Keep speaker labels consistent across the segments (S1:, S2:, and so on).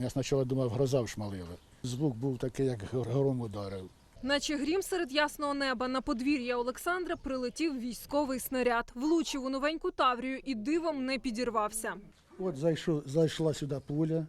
S1: Я спочатку думав, гроза вшмалила. Звук був такий, як гром ударив.
S2: Наче грім серед ясного неба на подвір'я Олександра прилетів військовий снаряд. Влучив у новеньку Таврію і дивом не підірвався.
S1: От зайшла сюди пуля,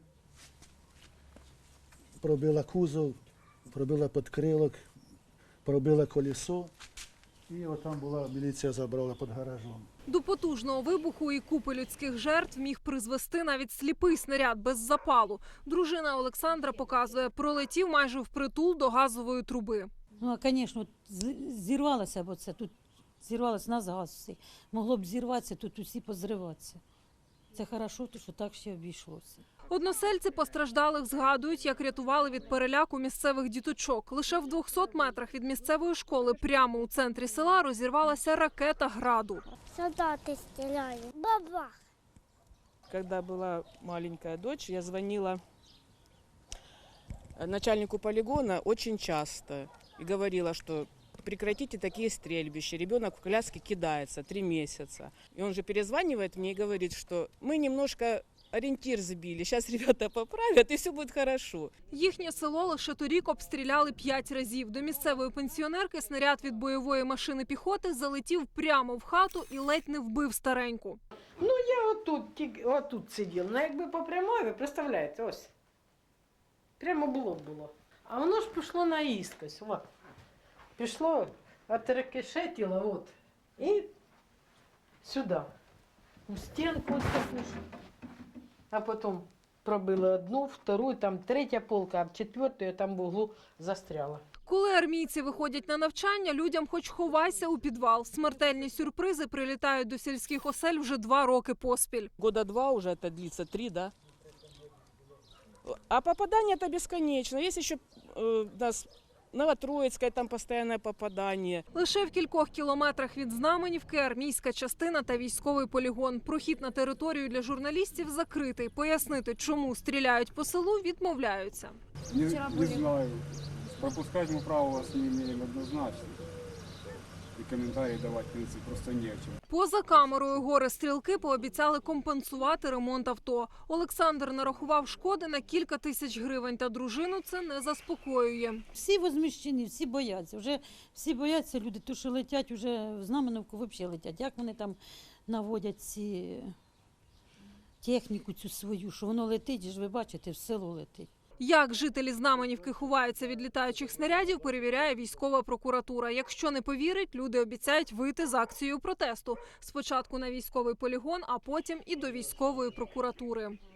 S1: пробила кузов, пробила підкрилок, пробила колесо. І отам була, міліція забрала під гаражом.
S2: До потужного вибуху і купи людських жертв міг призвести навіть сліпий снаряд без запалу. Дружина Олександра показує, пролетів майже впритул до газової труби.
S3: Ну, а, звісно, зірвалося, бо це тут зірвалося нас газ всі. Могло б зірватися, тут усі позриватися. Це хорошо, що так ще обійшлося.
S2: Односельці постраждалих згадують, як рятували від переляку місцевих діточок. Лише в 200 метрах від місцевої школи прямо у центрі села розірвалася ракета «Граду».
S4: Солдаты стреляли. Бабах!
S5: Когда была маленькая дочь, я звонила начальнику полигона очень часто и говорила, что прекратите такие стрельбища. Ребенок в коляске кидается 3 месяца. И он же перезванивает мне и говорит, что мы немножко ориентир сбили. Сейчас ребята поправят и все будет хорошо.
S2: Їхнє село лише торік обстріляли 5 разів. До місцевої пенсіонерки снаряд від бойової машини піхоти залетів прямо в хату і ледь не вбив стареньку.
S6: Ну, я отут сиділа. Ну, якби по прямой, ви представляєте, ось. Прямо блок було. А воно ж пішло наїскось. От. Пішло, отрикошетило, от. І сюди. У стінку ось таку. А потім пробили одну, втору, там третя полка, а в четверту там в углу застряла.
S2: Коли армійці виходять на навчання, людям хоч ховайся у підвал. Смертельні сюрпризи прилітають до сільських осель вже 2 роки поспіль.
S5: Года 2 уже это длится, 3, да? А попадание это бесконечно. Есть еще у нас Новотроицкое, там постоянное попадание.
S2: Лише в кількох кілометрах від Знаменівки армійська частина та військовий полігон. Прохід на територію для журналістів закритий. Пояснити, чому стріляють по селу, відмовляються.
S7: Не знаю. Пропускать мы право вас не имеем однозначно. И комментарии давать, в принципе, просто не о чем.
S2: Поза камерою горе-стрілки пообіцяли компенсувати ремонт авто. Олександр нарахував шкоди на кілька тисяч гривень, та дружину це не заспокоює.
S3: Всі возмущені, всі бояться. Вже всі бояться люди, то що летять вже в Знаменівку, взагалі летять. Як вони там наводять ці техніку цю свою, що воно летить, ж ви бачите, в село летить.
S2: Як жителі Знаменівки ховаються від літаючих снарядів, перевіряє військова прокуратура. Якщо не повірить, люди обіцяють вийти з акцією протесту. Спочатку на військовий полігон, а потім і до військової прокуратури.